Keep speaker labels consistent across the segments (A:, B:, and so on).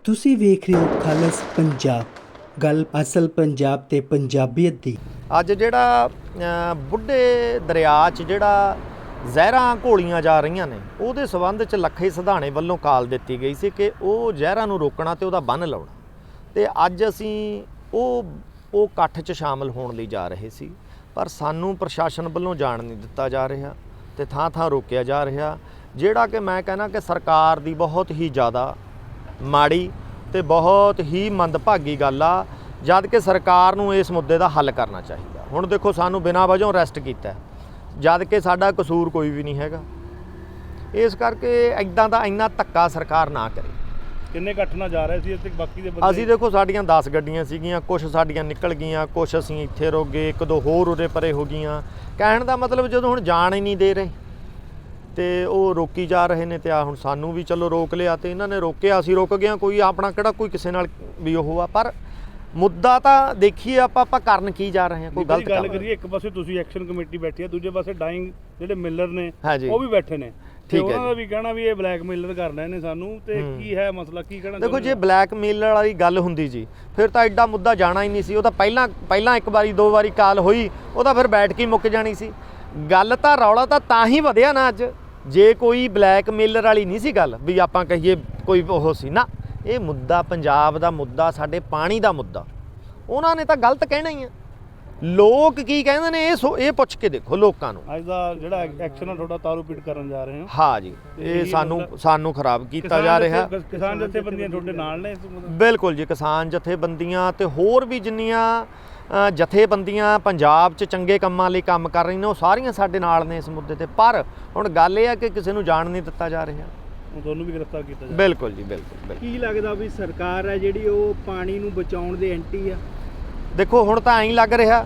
A: ਤੁਸੀਂ ਵੇਖ ਰਹੇ ਹੋ ਖਾਲਸ ਪੰਜਾਬ, ਗੱਲ ਅਸਲ ਪੰਜਾਬ ਤੇ ਪੰਜਾਬੀਅਤ ਦੀ।
B: ਅੱਜ ਜਿਹੜਾ ਬੁੱਢੇ ਦਰਿਆ 'ਚ ਜਿਹੜਾ ਜ਼ਹਿਰਾਂ ਘੋਲੀਆਂ ਜਾ ਰਹੀਆਂ ਨੇ, ਉਹਦੇ ਸਬੰਧ 'ਚ ਲੱਖੇ ਸਿਧਾਣੇ ਵੱਲੋਂ ਕਾਲ ਦਿੱਤੀ ਗਈ ਸੀ ਕਿ ਉਹ ਜ਼ਹਿਰਾਂ ਨੂੰ ਰੋਕਣਾ ਤੇ ਉਹਦਾ ਬੰਨ੍ਹ ਲਾਉਣਾ। ਤੇ ਅੱਜ ਅਸੀਂ ਉਹ ਇਕੱਠ 'ਚ ਸ਼ਾਮਲ ਹੋਣ ਲਈ ਜਾ ਰਹੇ ਸੀ, ਪਰ ਸਾਨੂੰ ਪ੍ਰਸ਼ਾਸਨ ਵੱਲੋਂ ਜਾਣ ਨਹੀਂ ਦਿੱਤਾ ਜਾ ਰਿਹਾ ਤੇ ਥਾਂ ਥਾਂ ਰੋਕਿਆ ਜਾ ਰਿਹਾ, ਜਿਹੜਾ ਕਿ ਮੈਂ ਕਹਿੰਦਾ ਕਿ ਸਰਕਾਰ ਦੀ ਬਹੁਤ ਹੀ ਜ਼ਿਆਦਾ ਮਾੜੀ ਤੇ ਬਹੁਤ ਹੀ ਮੰਦਭਾਗੀ ਗੱਲ ਆ। ਜਦ ਕਿ ਸਰਕਾਰ ਨੂੰ ਇਸ ਮੁੱਦੇ ਦਾ ਹੱਲ ਕਰਨਾ ਚਾਹੀਦਾ। ਹੁਣ ਦੇਖੋ, ਸਾਨੂੰ ਬਿਨਾਂ ਵਜੋਂ ਅਰੈਸਟ ਕੀਤਾ, ਜਦ ਕਿ ਸਾਡਾ ਕਸੂਰ ਕੋਈ ਵੀ ਨਹੀਂ ਹੈਗਾ। ਇਸ ਕਰਕੇ ਇੱਦਾਂ ਦਾ ਇੰਨਾ ਧੱਕਾ ਸਰਕਾਰ ਨਾ ਕਰੇ।
C: ਕਿੰਨੇ ਇਕੱਠ ਨਾਲ ਜਾ ਰਹੇ ਸੀ ਇੱਥੇ? ਬਾਕੀ ਦੇ ਬੰਦੇ
B: ਅਸੀਂ ਦੇਖੋ, ਸਾਡੀਆਂ 10 ਗੱਡੀਆਂ ਸੀਗੀਆਂ, ਕੁਛ ਸਾਡੀਆਂ ਨਿਕਲ ਗਈਆਂ, ਕੁਛ ਅਸੀਂ ਇੱਥੇ ਰੁਕ ਗਏ, ਇੱਕ ਦੋ ਹੋਰ ਉਰੇ ਪਰੇ ਹੋ ਗਈਆਂ। ਕਹਿਣ ਦਾ ਮਤਲਬ, ਜਦੋਂ ਹੁਣ ਜਾਣ ਹੀ ਨਹੀਂ ਦੇ ਰਹੇ ਤੇ ਉਹ ਰੋਕੀ ਜਾ ਰਹੇ ਨੇ, ਤੇ ਆ ਹੁਣ ਸਾਨੂੰ ਵੀ ਚਲੋ ਰੋਕ ਲਿਆ ਤੇ ਇਹਨਾਂ ਨੇ ਰੋਕਿਆ, ਅਸੀਂ ਰੁਕ ਗਏ। ਕੋਈ ਆਪਣਾ ਕਿਹੜਾ ਕੋਈ ਕਿਸੇ ਨਾਲ ਵੀ ਉਹ ਆ, ਪਰ ਮੁੱਦਾ ਤਾਂ ਦੇਖੀਏ ਆਪਾਂ ਕਰਨ ਕੀ ਜਾ ਰਹੇ ਹਾਂ। ਕੋਈ ਗਲਤ
C: ਗੱਲ ਕਰੀਏ, ਇੱਕ ਪਾਸੇ ਤੁਸੀਂ ਐਕਸ਼ਨ ਕਮੇਟੀ ਬੈਠੀ ਹੈ, ਦੂਜੇ ਪਾਸੇ ਡਾਈਂਗ ਜਿਹੜੇ ਮਿਲਰ ਨੇ ਉਹ ਵੀ ਬੈਠੇ ਨੇ। ਠੀਕ ਹੈ, ਉਹਨਾਂ ਦਾ ਵੀ ਕਹਿਣਾ ਵੀ ਇਹ ਬਲੈਕਮੇਲਰ ਕਰ ਰਹੇ ਨੇ ਸਾਨੂੰ, ਤੇ ਕੀ ਹੈ ਮਸਲਾ, ਕੀ ਕਹਿਣਾ?
B: ਦੇਖੋ, ਜੇ ਬਲੈਕਮੇਲਰ ਵਾਲੀ ਗੱਲ ਹੁੰਦੀ ਜੀ, ਫਿਰ ਤਾਂ ਐਡਾ ਮੁੱਦਾ ਜਾਣਾ ਹੀ ਨਹੀਂ ਸੀ। ਉਹ ਤਾਂ ਪਹਿਲਾਂ ਇੱਕ ਵਾਰੀ ਦੋ ਵਾਰੀ ਕਾਲ ਹੋਈ, ਉਹ ਤਾਂ ਫਿਰ ਬੈਠ ਕੇ ਮੁੱਕ ਜਾਣੀ ਸੀ ਗੱਲ। ਤਾਂ ਰੌਲਾ ਤਾਂ ਹੀ ਵਧਿਆ ਨਾ ਅੱਜ, ਜੇ ਕੋਈ ਬਲੈਕਮੇਲਰ ਵਾਲੀ ਨਹੀਂ ਸੀ ਗੱਲ, ਵੀ ਆਪਾਂ ਕਹੀਏ ਕੋਈ ਉਹ ਸੀ ਨਾ। ਇਹ ਮੁੱਦਾ ਪੰਜਾਬ ਦਾ ਮੁੱਦਾ, ਸਾਡੇ ਪਾਣੀ ਦਾ ਮੁੱਦਾ। ਉਹਨਾਂ ਨੇ ਤਾਂ ਗਲਤ ਕਹਿਣਾ ਹੀ ਆ। ਲੋਕ ਕੀ ਕਹਿੰਦੇ ਨੇ ਇਹ ਪੁੱਛ ਕੇ ਦੇਖੋ ਲੋਕਾਂ ਨੂੰ।
C: ਅੱਜ ਦਾ ਜਿਹੜਾ ਐਕਸ਼ਨ ਆ ਤੁਹਾਡਾ, ਤਾਰੂ ਪੀਟ ਕਰਨ ਜਾ ਰਹੇ ਹੋ।
B: ਹਾਂ ਜੀ, ਇਹ ਸਾਨੂੰ ਖਰਾਬ ਕੀਤਾ ਜਾ ਰਿਹਾ।
C: ਕਿਸਾਨ ਜਥੇਬੰਦੀਆਂ ਤੁਹਾਡੇ ਨਾਲ ਨੇ?
B: ਬਿਲਕੁਲ ਜੀ, ਕਿਸਾਨ ਜਥੇਬੰਦੀਆਂ ਤੇ ਹੋਰ ਵੀ ਜਿੰਨੀਆਂ ਜਥੇਬੰਦੀਆਂ ਪੰਜਾਬ 'ਚ ਚੰਗੇ ਕੰਮਾਂ ਲਈ ਕੰਮ ਕਰ ਰਹੀਆਂ ਨੇ, ਉਹ ਸਾਰੀਆਂ ਸਾਡੇ ਨਾਲ ਨੇ ਇਸ ਮੁੱਦੇ ਤੇ। ਪਰ ਹੁਣ ਗੱਲ ਇਹ ਆ ਕਿ ਕਿਸੇ ਨੂੰ ਜਾਣ ਨਹੀਂ ਦਿੱਤਾ ਜਾ ਰਿਹਾ।
C: ਤੁਹਾਨੂੰ ਵੀ ਗ੍ਰਿਫਤਾਰ ਕੀਤਾ ਜਾ?
B: ਬਿਲਕੁਲ ਜੀ, ਬਿਲਕੁਲ।
D: ਕੀ ਲੱਗਦਾ ਵੀ ਸਰਕਾਰ ਹੈ ਜਿਹੜੀ ਉਹ ਪਾਣੀ ਨੂੰ ਬਚਾਉਣ ਦੇ ਐਂਟੀ ਆ?
B: ਦੇਖੋ, ਹੁਣ ਤਾਂ ਐਂ ਲੱਗ ਰਿਹਾ,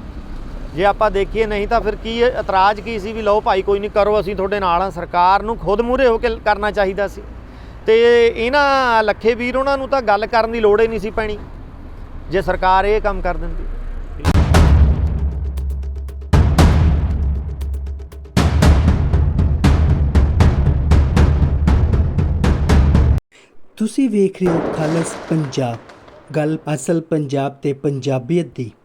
B: ਜੇ ਆਪਾਂ ਦੇਖੀਏ। ਨਹੀਂ ਤਾਂ ਫਿਰ ਕੀ ਇਤਰਾਜ਼ ਕੀ ਸੀ ਵੀ ਲਓ ਭਾਈ ਕੋਈ ਨਹੀਂ ਕਰੋ, ਅਸੀਂ ਤੁਹਾਡੇ ਨਾਲ ਆ। ਸਰਕਾਰ ਨੂੰ ਖੁਦ ਮੂਹਰੇ ਹੋ ਕੇ ਕਰਨਾ ਚਾਹੀਦਾ ਸੀ। ਤੇ ਇਹਨਾਂ ਲੱਖੇ ਵੀਰ ਉਹਨਾਂ ਨੂੰ ਤਾਂ ਗੱਲ ਕਰਨ ਦੀ ਲੋੜ ਹੀ ਨਹੀਂ ਸੀ ਪੈਣੀ, ਜੇ ਸਰਕਾਰ ਇਹ ਕੰਮ ਕਰ ਦਿੰਦੀ।
A: ਤੁਸੀਂ ਵੇਖ ਰਹੇ ਹੋ ਖਾਲਸ ਪੰਜਾਬ, ਗੱਲ ਅਸਲ ਪੰਜਾਬ ਤੇ ਪੰਜਾਬੀਅਤ ਦੀ।